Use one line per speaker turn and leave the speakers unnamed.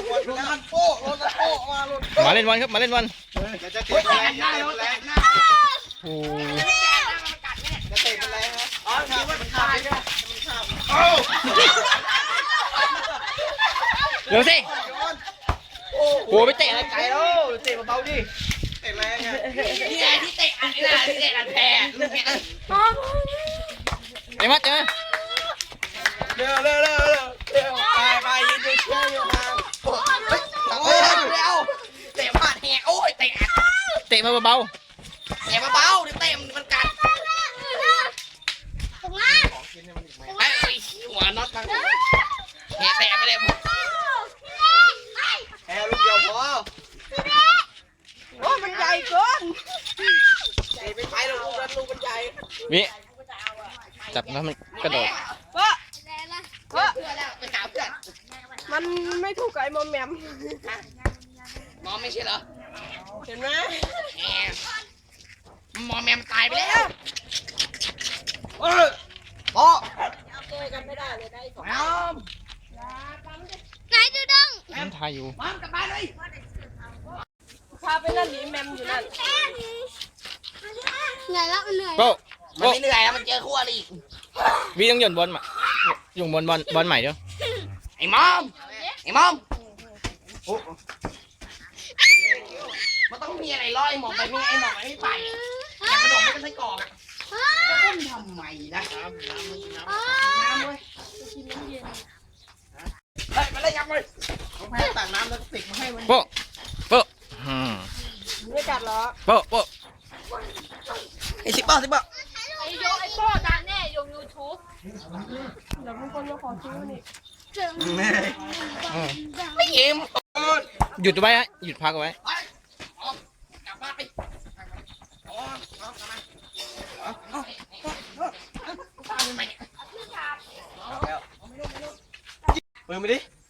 มาเล่นวันครับมาเล่นวัน
จะเตะแรงโอ้จะเตะแรงนะอ๋อคิดว่ามันขาดใช่ไหมมันขาด
เดี๋ยวสิโอ้ไปเตะอะไรไกลแล้ว
เตะเบาๆดิเตะแรงไง
นี่ไงที่เตะอันนี้นะที่เตะอันแพ้ลูกเนี้ย
เดี๋ยวมาเจอ
เร็วไปยืนดูเชื่ออยู่ทาง
โอ้ยเร็วเตะผ่านแหกโอ้ยเตะ
มาเบา
เตะเบาๆเดี๋ยวเตะมันกัดไอ้หัวน็อตมันแหกเตะไปเลย
แอลลูกเดียวพอ
โอ้มันใหญ่เกิน
เตะไม่ไปหรอกลูกนั้นลูกมันใหญ่
วิจับแล้วมันกระโดด
ไปถามเพื่อน
มันไม่ถูกกับไอ้มอมแมม
มอมไม่ใช่เหรอ
เห็นไหม
มอมแมมตายไปแล้ว
พ่อ
เจอกันไม่ได้เลยได้สอง
ไหนดูดง
มันทายอยู่
มอมกลับบ้านเลย
พาไปนั่นหนีแมมอยู่นั่น
เหนื่อยแล้วมันเหนื่อย
โก้
มันไม่เหนื่อยแล้วมันเจอคู่อริ
วิต้องหย่อนบอลมาหย่อนบอลใหม่เดี๋ยว
ไอ้มอมมันต้องมีอะไรล่อไอ้หมอมไปไม่ไอ้หมอมไม่ไปแต่กระโดดไม่เป็นไส้กรอกอ่ะจะอุ้มทำไมนะน้ำเลยเฮ้ยมาเลยยังเลย
น้องแพ้ตักน้ำแล้วติกมาให้มัน
โป๊ะ
ไม่กัดหรอ
โป๊ะ
ไอ้10 บาท
ไอ้โยไอ้โป้ดังแน่ยงยูทูบ
เดี๋ยวมีคนมาขอซื้อนี่
ไม่ยิ้ม
หยุดไว้ฮะหยุดพักไว้
กลับบ้านไป
ปืนไปดิ